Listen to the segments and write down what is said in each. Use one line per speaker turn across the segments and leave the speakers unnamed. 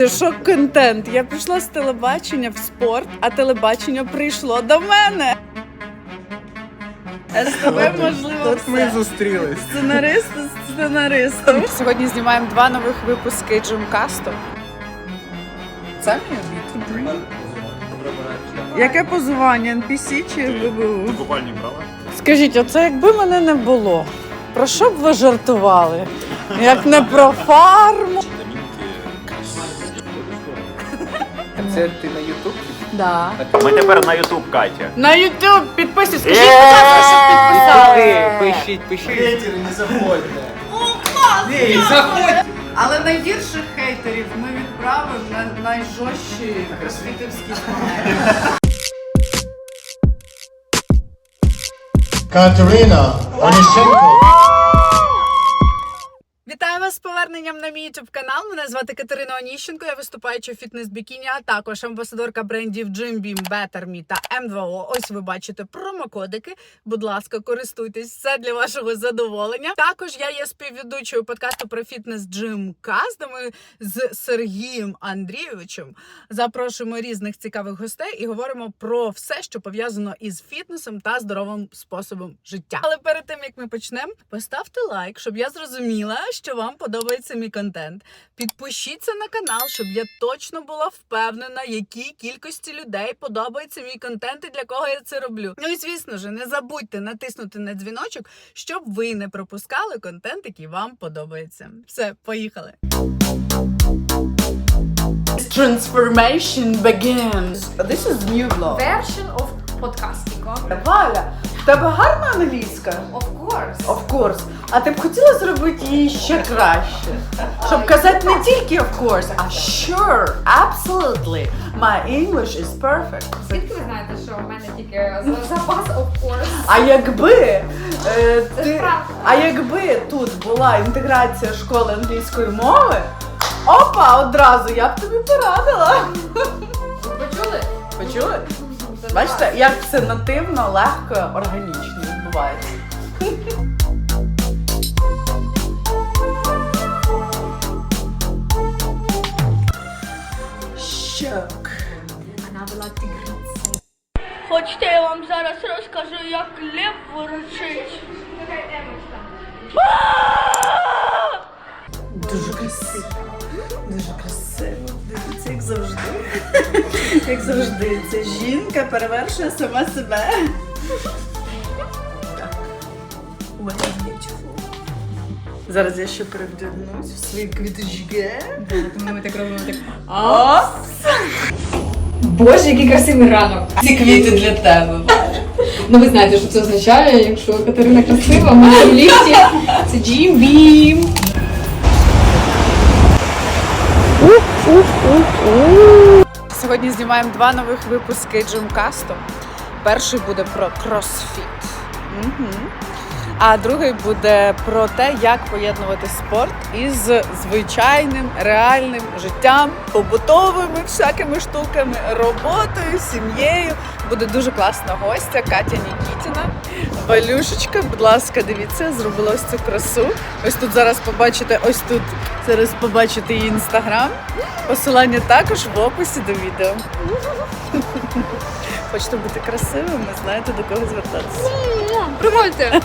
Шок-контент. Я прийшла з телебачення в спорт, а телебачення прийшло до мене. А з тобою, можливо,
Тут
все.
ми зустрілись.
Сценарист з сценаристом. Сьогодні знімаємо 2 нових випуски Джимкасту. Це мій обід. Яке позування? NPC чи ВБУ?
Купальні брала?
Скажіть, оце якби мене не було, про що б ви жартували? Як не про фарму?
Це ти на Ютуб?
Да.
Ми тепер на Ютуб, Катя.
На YouTube підписуйтесь, скажіть, будь ласка, щоб підписали.
Пишіть. Хейтери, не заходьте.
Ні, заходьте. Але найгірших хейтерів ми відправимо на найжорстчі кросфітівські змагання.
Катерина Онищенко.
Вітаю вас з поверненням на мій YouTube канал. Мене звати Катерина Оніщенко, я виступаюча в фітнес-бікіні, а також амбасадорка брендів Jim Beam, Better Me та M2O. Ось ви бачите промокодики. Будь ласка, користуйтесь, все для вашого задоволення. Також я є співведучою подкасту про фітнес Gymcast, де ми з Сергієм Андрійовичем запрошуємо різних цікавих гостей і говоримо про все, що пов'язано із фітнесом та здоровим способом життя. Але перед тим, як ми почнемо, поставте лайк, щоб я зрозуміла, що вам подобається мій контент. Підпишіться на канал, щоб я точно була впевнена, якій кількості людей подобається мій контент і для кого я це роблю. Ну і звісно ж, не забудьте натиснути на дзвіночок, щоб ви не пропускали контент, який вам подобається. Все, поїхали! Transformation begins. This is new vlog.
Version of podcasting.
Валя, в тебе гарна англійська?
Of course.
Of course. А ти б хотіла зробити її ще краще? Щоб казати не тільки of course, а sure, absolutely. My English is perfect.
Звідки ви знаєте, що у мене тільки запас of course?
А якби тут була інтеграція школи англійської мови, опа, одразу я б тобі порадила.
Ви почули?
Почули? Бачите, як все нативно, легко, органічно відбувається. Щок.
Вона була тигриця.
Хочете, я вам зараз розкажу, як лев ворочить?
Дуже красиво. Дуже красиво. Дивіться, як завжди. Як завжди, ця жінка перевершує сама себе. Так. What is beautiful. Зараз я ще перевдягнусь в свої квіточки.
Тому ми так робимо так.
Опс!
Боже, який красивий ранок.
Ці квіти для тебе.
Ну ви знаєте, що це означає, якщо Катерина красива, ми в ліфті. Це Jim Beam.
Сьогодні знімаємо 2 нових випуски Джимкасту. Перший буде про кросфіт. А другий буде про те, як поєднувати спорт із звичайним, реальним життям, побутовими всякими штуками, роботою, сім'єю. Буде дуже класна гостя Катя Нікітіна. Валюшечка, будь ласка, дивіться, зробила ось цю красу. Ось тут зараз побачите, зараз побачите її інстаграм. Посилання також в описі до відео. Хочете бути красивими, знаєте, до кого звертатися.
Приходьте.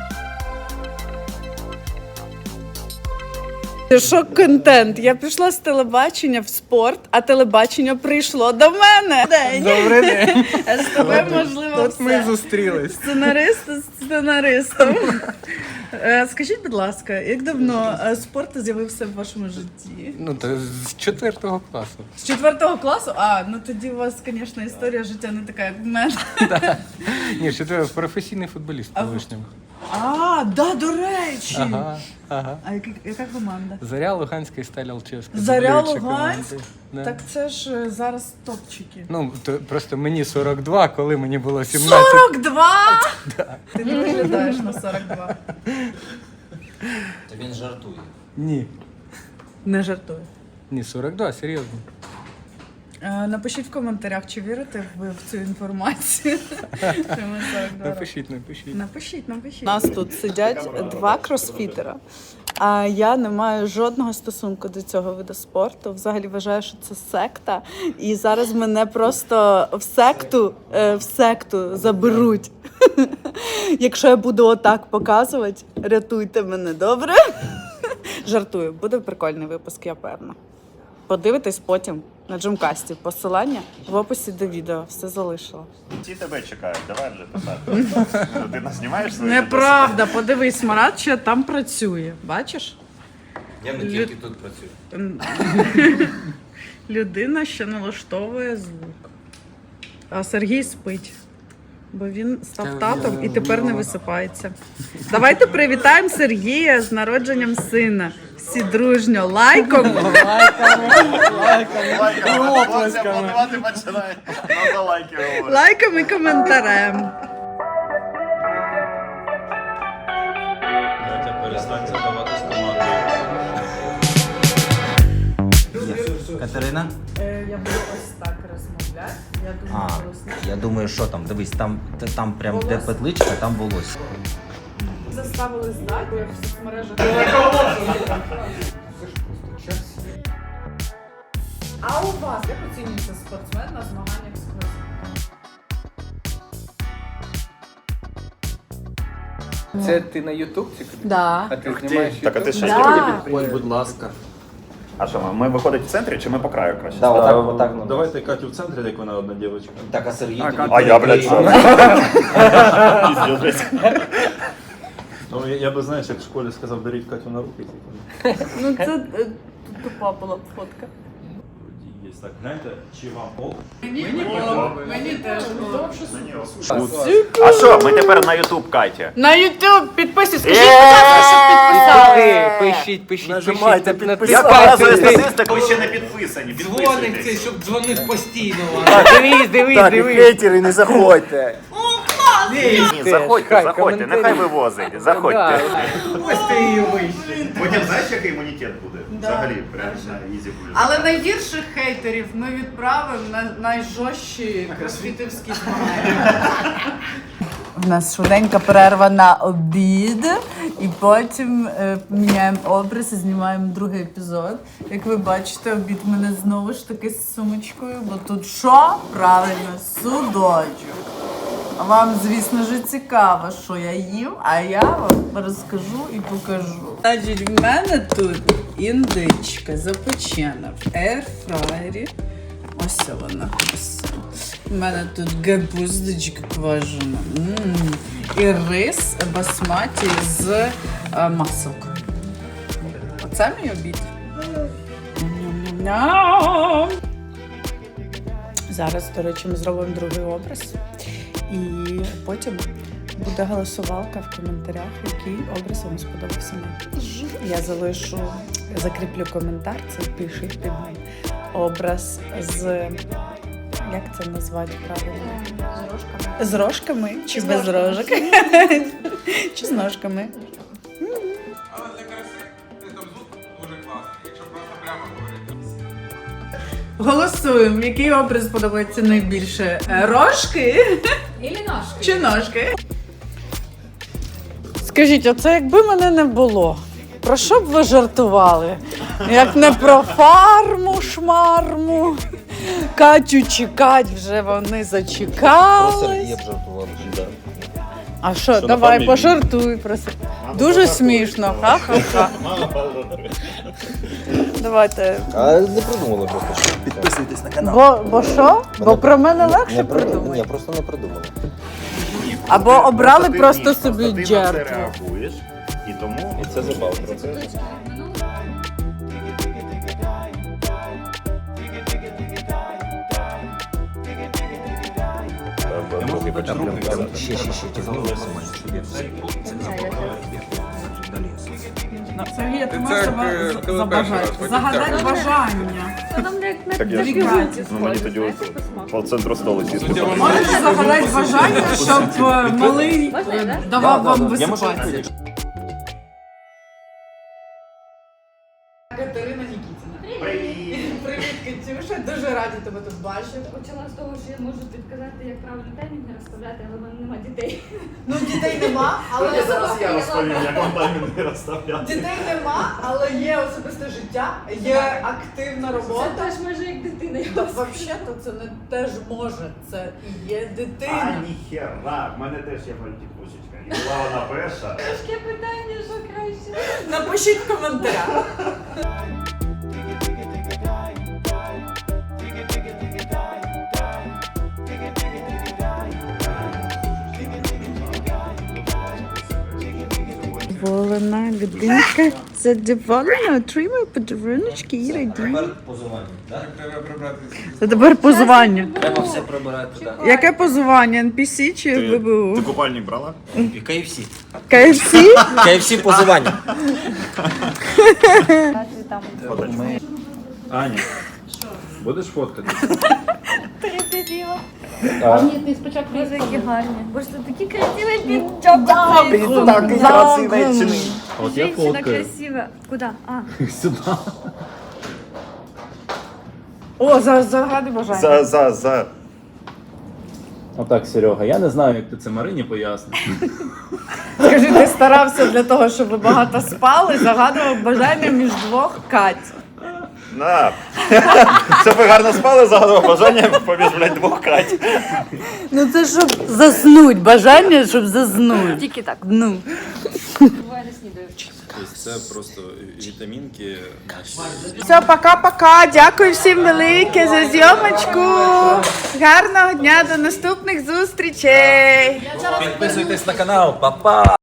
Шок-контент. Я прийшла з телебачення в спорт, а телебачення прийшло до мене.
Добрий день.
А з тобою, можливо,
Тут
все.
ми зустрілись.
Сценарист з сценаристом. Скажіть, будь ласка, як давно спорт з'явився в вашому житті?
Ну, то з 4 класу.
З 4 класу? А, ну тоді у вас, звісно, історія життя не така, як в мене.
Ні, 4 професійний футболіст колишньому.
А, да, до речі.
Ага.
А яка команда?
Заря, Луганська і Сталь Алчевська.
Заря,
Дублюючі
Луганськ?
команди. Да.
Так це ж зараз топчики.
Ну, то просто мені 42, коли мені було 17.
42? Ти не виглядаєш на 42.
То він жартує.
Ні.
Не жартую.
Ні, 42, серйозно.
Напишіть в коментарях, чи вірите ви в цю інформацію.
Напишіть.
Напишіть. У нас тут сидять два кросфітера, а я не маю жодного стосунку до цього виду спорту. Взагалі вважаю, що це секта. І зараз мене просто в секту заберуть. Якщо я буду отак показувати, рятуйте мене, добре? Жартую, буде прикольний випуск, я певна. Подивитесь потім на Джимкасті. Посилання в описі до відео. Все залишила.
Всі тебе чекають, давай вже писати. Ти нас знімаєш свої
Неправда, подивись, Марат ще там працює. Бачиш?
Я не тільки тут працюю.
Людина ще налаштовує звук. А Сергій спить. Бо він став татом і тепер не висипається. Давайте привітаємо Сергія з народженням сина. Всі дружньо лайком.
Хлопці аплодувати починають. Ну, за лайки говорять.
Лайком і коментарем.
Перестань задавати з командою.
Катерина?
Я буду ось так розмовляти. Я дуже голосно.
Я думаю, що там, дивись, там прям де петличка, там волосся.
Заставили здати, бо я в соцмережах. А у вас як оцінюється спортсмен на змаганнях з кросфіту?
Це ти на YouTube тільки?
Да.
А ти знімаєш
Так, а ти ще
Да.
Будь ласка.
А що, ми виходить в центрі чи ми по краю краще?
Отак.
Давайте Катю в центрі, як вона одна дівчинка.
Так, а Сергій?
А я, блядь, що? Піздець.
Ну, я би, знаєш, як в школі сказав, беріть Катю на руки.
Ну це тупа була б фотка.
Є так, гляньте, чи вам ок?
Мені теж.
А що, ми тепер на YouTube, Катя?
На YouTube підписуйтесь. Скажіть, будь ласка, щоб підписали.
Пишіть.
Нажимайте,
Я
підписати.
показую статистику, ви ще не підписані.
Дзвоник цей, щоб дзвонив постійно.
Так, і хейтери, не заходьте.
Ні, заходьте, нехай вивозить, заходьте.
Ось ти її вийшли.
Потім знаєш, який імунітет буде? Взагалі, прям на ізі буде.
Але найгірших хейтерів ми відправимо на найжорстчі кросфітівські змагання. У нас швиденька перерва на обід, і потім міняємо образ і знімаємо другий епізод. Як ви бачите, обід в мене знову ж таки з сумочкою, бо тут що? Правильно, судочок. А вам, звісно ж, цікаво, що я їм, а я вам розкажу і покажу. Значить, в мене тут індичка запечена в ейрфрайері. Ось вона. Ось. У мене тут капусточка квашена. І рис басматі з маслом. Оце мій обід. Ням-ням-ням. Зараз, до речі, ми зробимо другий образ. І потім буде голосувалка в коментарях, який образ вам сподобався найбільше. Я закріплю коментар, це пишіть під ним. Образ з, як це назвати правильно? З рожками. З рожками чи без рожок? Чи з ножками?
Але для краси там звук дуже класний, якщо просто прямо говорити.
Голосуємо, який образ подобається найбільше? Рожки
Ілі ножки.
чи ножки? Скажіть, оце якби мене не було, про що б ви жартували? Як не про фарму, шмарму, Катю чекать вже вони зачекали.
Я б жартував.
А що, давай, пожартуй про це. Дуже смішно, ха-ха-ха. Давайте.
А не придумали просто. Що.
Підписуйтесь на канал.
Бо що? Бо про мене легше придумати.
Ні, просто не придумали.
Або обрали
Ти
просто
ні,
собі
ти на це
жертву.
реагуєш, і тому...
І це забавно.
Я можу бути руки.
Ще.
Сергій, ти
Це
можеш
як, коли перший раз потім
загадати
дякую.
бажання.
Так я ж, ну мені тоді по центру столу сісти.
Можеш загадати бажання, щоб малий давав вам висипати. Катерина Нікітіна. Привіт, Катюша, дуже раді тебе тут бачити.
Почала з того, що я можу підказати, як правильно таймінги розставляти, але в мене нема дітей.
Ну, дітей нема, але
Зараз я розповім, як вам таймінги розставляти.
дітей нема, але є особисте життя, є активна
Це
робота.
теж майже як дитина.
Взагалі-то це не теж може, це і є дитина.
ніхера, в мене теж є мультипусечка. І була вона перша.
Важке питання, що краще.
Напишіть в коментарях. Задоволена людинка, задоволена, отримує подаруночки і радіє.
Тепер позування, так?
Треба прибрати.
Це тепер позування.
Треба все прибирати туди.
Яке позування? NPC чи
Ти
ВБУ?
купальник брала?
І KFC.
KFC?
KFC позування.
Аня, будеш фоткати?
Ні, ти спочатку Боже, які гарні. Боже, ти такі красиві підчоп.
Такий красивий.
От я фоткаю.
красива. Куди?
Сюди.
О, загадай бажання.
За.
Отак, Серега, я не знаю, як ти це Марині поясниш.
Скажи, ти старався для того, щоб ви багато спали, загадував бажання між двох Кать.
На. Щоб ви гарно спали, загадував бажання поміж, блядь, двох Кать.
Ну це щоб заснуть, бажання, щоб заснуть.
Тільки так.
Ну.
Буває не снідаю.
Тобто це просто вітамінки наші.
Все, пока-пока. Дякую всім велике за зйомочку. Гарного дня, до наступних зустрічей.
Підписуйтесь на канал, па-па!